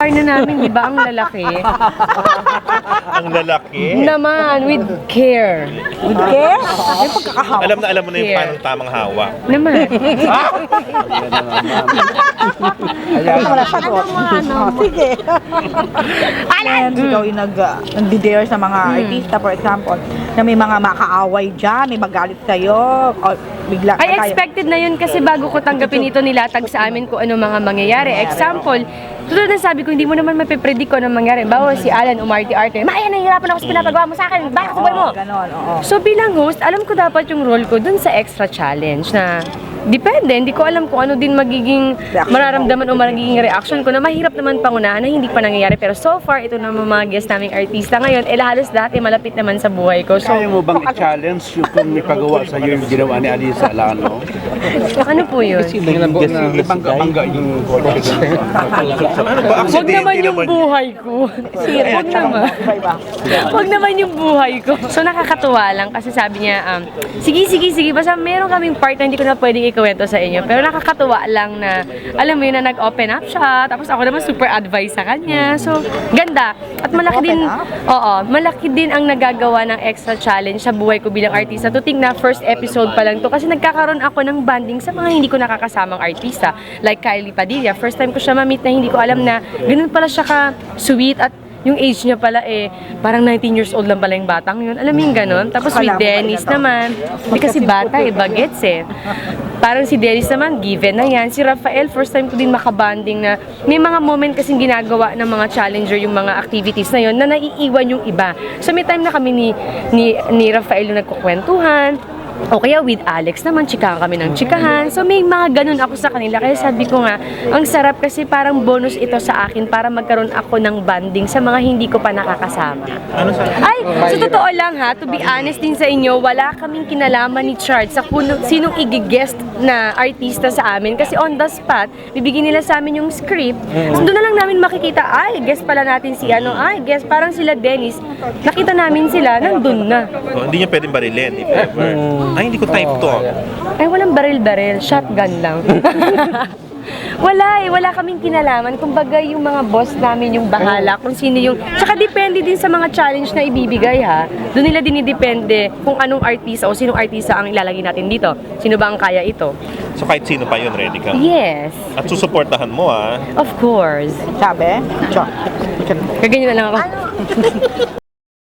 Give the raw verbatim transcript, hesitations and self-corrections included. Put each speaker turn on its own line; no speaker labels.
na namin, di ba, ang lalaki?
Ang lalaki.
Naman, with care.
With care? May pagkakahawak.
Alam na alam mo na yung
Here.
paano tamang hawak.
Naman.
Ayan. Wala sagot. Oh, sige. Ayan, ikaw yung nag, uh, nag-dare sa mga artista, for example, na may mga makaaway dyan, may magalit sa'yo, o bigla
Ay,
tayo-
expected na yun kasi bago ko tanggapin ito, nilatag sa amin kung ano mga mangyayari. Example, tulad na sabi ko, hindi mo naman mapipredict kung ano mangyayari. Bawa si Alan umarte-arte, Maya, nahihirapan ako sa pinapagawa mo sa akin, bakit sa buhay mo?
Oo, ganon, oo.
So bilang host, alam ko dapat yung role ko dun sa extra challenge na depende, hindi ko alam kung ano din magiging
Reaction
mararamdaman o magiging reaction ko na mahirap naman pangunahan na hindi pa nangyayari. Pero so far, ito naman mga guest naming artista ngayon, eh halos dati malapit naman sa buhay ko. So,
Kaya mo bang i-challenge yung kung ipagawa sa iyo yung ginawa ni Alisa Alano?
ano po yun?
Ibangga-bangga yung
Ano ba?
Huwag
Aksidente
naman yung buhay ko. Huwag naman. Huwag naman yung buhay ko. So nakakatuwa lang kasi sabi niya, um, sige, sige, sige, basta meron kaming part na hindi ko na pwedeng ikuwento sa inyo. Pero nakakatuwa lang na, alam mo yun, na nag-open up siya. Tapos ako naman super advice sa kanya. So, ganda. At malaki din, oo, malaki din ang nagagawa ng extra challenge sa buhay ko bilang artista. To think na first episode pa lang to. Kasi nagkakaroon ako ng banding sa mga hindi ko nakakasamang artista. Like Kylie Padilla. First time ko siya ma-meet na hindi ko alam na ganun pala siya ka-sweet at yung age niya pala eh, parang nineteen years old lang pala yung batang yun. Alam mo yung ganun? Tapos with Dennis naman, hindi kasi bata eh, bagets eh. Parang si Dennis naman, given na yan. Si Rafael, first time ko din makabanding na may mga moment kasing ginagawa ng mga challenger yung mga activities na yun na naiiwan yung iba. So may time na kami ni, ni, ni Rafael yung nagkukwentuhan, o kaya with Alex naman, chikahan kami ng chikahan. So may mga ganun ako sa kanila. Kaya sabi ko nga, ang sarap kasi parang bonus ito sa akin para magkaroon ako ng banding sa mga hindi ko pa nakakasama.
Ano sa...
Ay, sa totoo lang ha, to be honest din sa inyo, wala kaming kinalaman ni Chart sa kuno, sinong igigest na artista sa amin. Kasi on the spot, bibigyan nila sa amin yung script. So doon na lang namin makikita, ay, guest pala natin si ano, ay, guest, parang sila Dennis. Nakita namin sila, nandun na.
Oh, hindi niya pwedeng barilin if ever. Ay, hindi ko type to.
Ay, walang baril-baril. Shotgun lang. Wala eh. Wala kaming kinalaman. Kumbaga, yung mga boss namin yung bahala kung sino yung... Tsaka depende din sa mga challenge na ibibigay ha. Doon nila dinidepende kung anong artista o sinong artista ang ilalagay natin dito. Sino ba ang kaya ito?
So kahit sino pa yun, ready ka.
Yes.
At susuportahan mo ah.
Of course.
Sabi? Chok.
Kaganyan na lang ako.